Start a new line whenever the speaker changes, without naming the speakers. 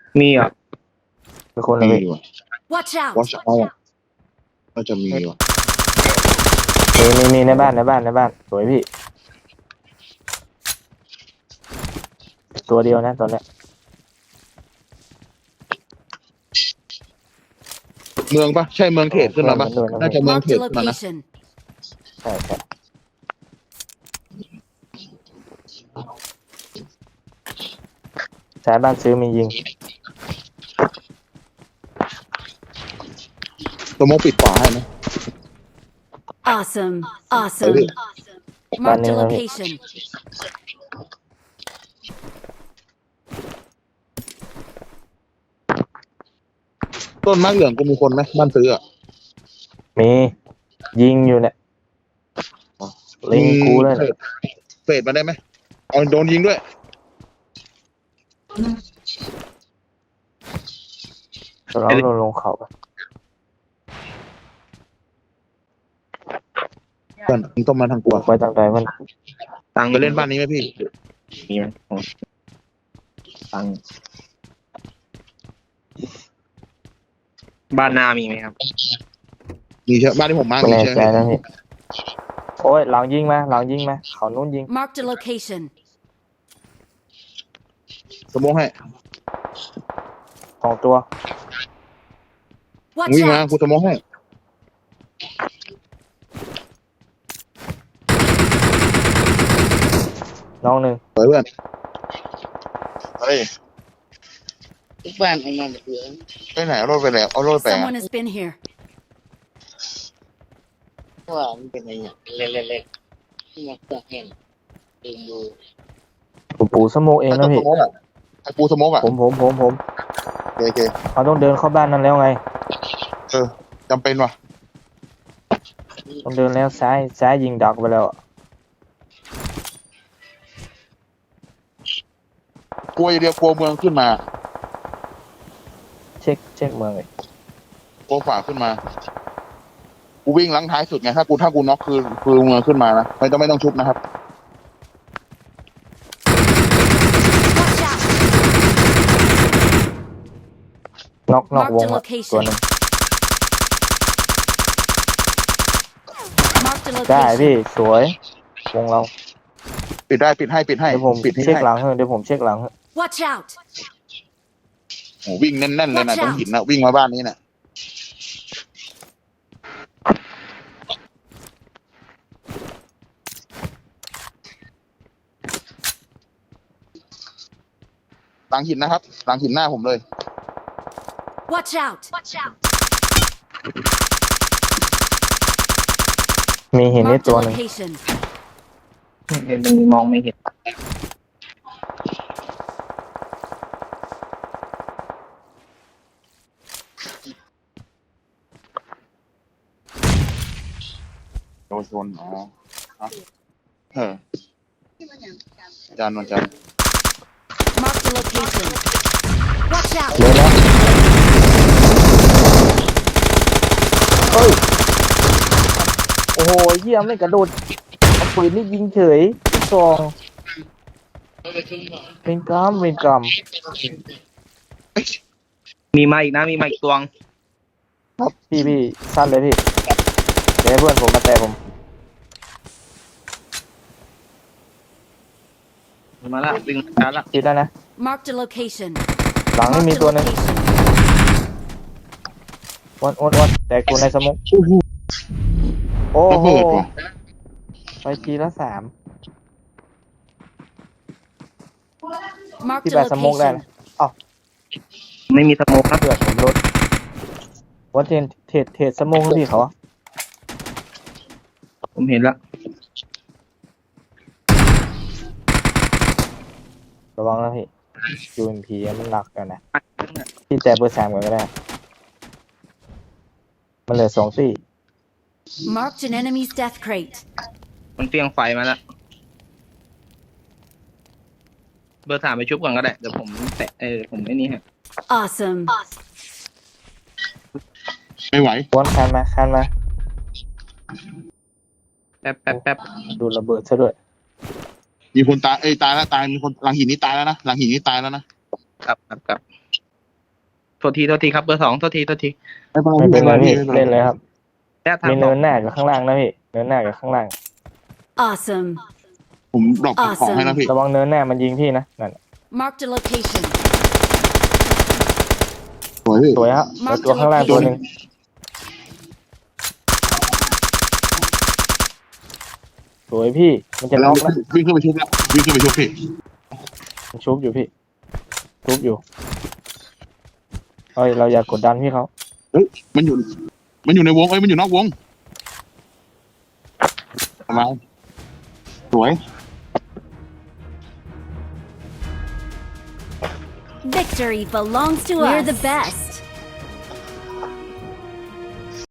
มีอ่ะ
เป็นคนละพี่
มีว่ะ
Watch out!
วอชเอาก็จะมีว่ะ
มีในบ้านสวยพี่ตัวเดียวนะตอนเนี้ย
เมืองปะใช่เมืองเขตขึ้นมาปะ
เพื่อนมันด้วยนะ
น่าจะ
พี่
เมือง
Marked
เข
a
ตขึ้นมานะ
location.
ใช่สายบ้านซื้อมียิง
ตัวโมปิดขวาให้ไหม
Awesome.
เฮ้ย
Marked a location.
ต้นมะเหลืองก็มีคนไหมบ้านซื้ออ่ะ
มียิงอยู่เนี่ยลิงกูเลย
เฟดมาได้ไหมเอาโดนยิงด้วย
เราลงเขาไป
เพื่อนมึงต้องมาทางกู
ไปทางใดมัน
ตังค์
ไปเล่นบ้านนี้ไหมพี่
มีไหมตังค์บ้านนามีไหมครับ
มีเชื่อบ้านที่ผมมาร์ก
ไม่
มี
แน่
เชื่อ
ใจนะพี่โอ้ยหลังยิงมาเขานู้นยิง
Marked a location.
สมมติให้
2 ตัว
มึง
Watch
วิ่งมา
out!
กูสมมติให้
น้องหนึ่ง
สวยเพื่อนเฮ้ย
ทุกบ้านเอามาหมดเลย
ไปไหนเอารถไปแล้วเอารถไป
Someone has been here.
เพราะว่ามันเป็นอะไรอย่างเล็กๆที่มันเครื่องแห้งดึงดู
ปูสโมกเอง
ไอ้
นะ
ตัวส
พี่
มมติอ่ะไอ้ปูสมมติอ่ะ
ผม
โอเค
เขาต้องเดินเข้าบ้านนั้นแล้วไง
จำเป็นว่ะ
ต้องเดินแล้วซ้ายยิงดักไปแล้ว
กลัวอย่างเดียวกลัวเมืองขึ้นมา
เช็คเมืองเลย
กลัวฝ่าขึ้นมากูวิ่งลังท้ายสุดไงถ้ากูน็อกคือเมืองขึ้นมานะไม่ต้องชุบนะครับ
Watch out!
น็อกว
Marked
ง
a
อะ
location.
ตัวหนึง
Marked a
ได้
location.
พี่สวยวงเรา
ปิดให้
เดี๋ยวผม
ปิด
เช็ค
ให้
หลังให้เดี๋ยวผมเช็คหลังให้
Watch out!
โอ้วิ่งแน่นๆเลยนะ
Watch out
ตรงหินนะวิ่งมาบ้านนี้น่ะหลังหินนะครับหลังหินหน้าผมเลย
Watch out!
มีเห็นนิด
Marked a
ตัวหนึ่ง
location.
เห็นตรงนี้มองไม่เห็น
โดนชนอ๋อจานวันจันทร์
Marked a location. Watch out!
เดินแล้วเฮ้ยโอ้โหเยี่ยมไม่กระโดดเอาปืนนี่ยิงเฉยซองเป็นกรรม
มีมาอีกนะมีมาอีกตัวง
พี่สั้นเลยพี่เดี๋ยวให้เพื่อนผมมาแต่ผม
มาละวิ่งมาละ
คิดแล้วนะ
Marked a location.
หลังนี่มี
Marked a
ตัวหนึง
location.
วันแตกตัวในสมองโอ้
ระ
โห
เบิดว่ะ
ไปทีละ 3
Marked
พี่
a
แปดสมองได้
location.
นะอ้าว
ไม่มีสโมกนะ
เพื่อนผมลดวัดเทรดสมองพี่เขาอะ
ผมเห็นละ
ระวังนะพี่ UMP มันหนักกันนะพี่แต่เบอร์ 3ก่อนก็ได้ มันเหลือ2 ตี้
Marked an enemy's death crate.
มันเฟียงไฟมาละเบอร์ 3ไปชุบก่อนก็ได้เดี๋ยวผมแตะผมไอ้นี่ฮะ
Awesome.
ไม่ไหว
วนคันมา
แป๊บ
ดูระเบิดซะด้วย
มีคนตายตายแล้วมีคนหลังหินนี้ตายแล้วนะหลังหินนี้ตายแล้วนะครับ
ครับษทีครับเบอร์สองโทษที
ไม่เป็นไรพี่เล่นเลยครับ
แต่ถาม
มีเนินหน้ากับข้างล่างนะพี่เนินหน้ากับข้างล่าง
Awesome.
ผมดรอปของให้แล้วพี่
ระวังเนินหน้ามันยิงพี่นะนั่น
Marked a location.
สวยพี่
สวยครับแล้วตัวข้างล่างตัวหนึ่งสวยพี่มันจะน็อกนะ
วิ่งขึ้นไปชุบแล้ววิ่งขึ้นไปชุบพี่
มันชุบอยู่พี่ชุบอยู่เอ้ยเราอย่ากดดันพี่เขา
มันอยู่ในวงมันอยู่นอกวงประมาณสวย
Victory belongs to us. We're the best.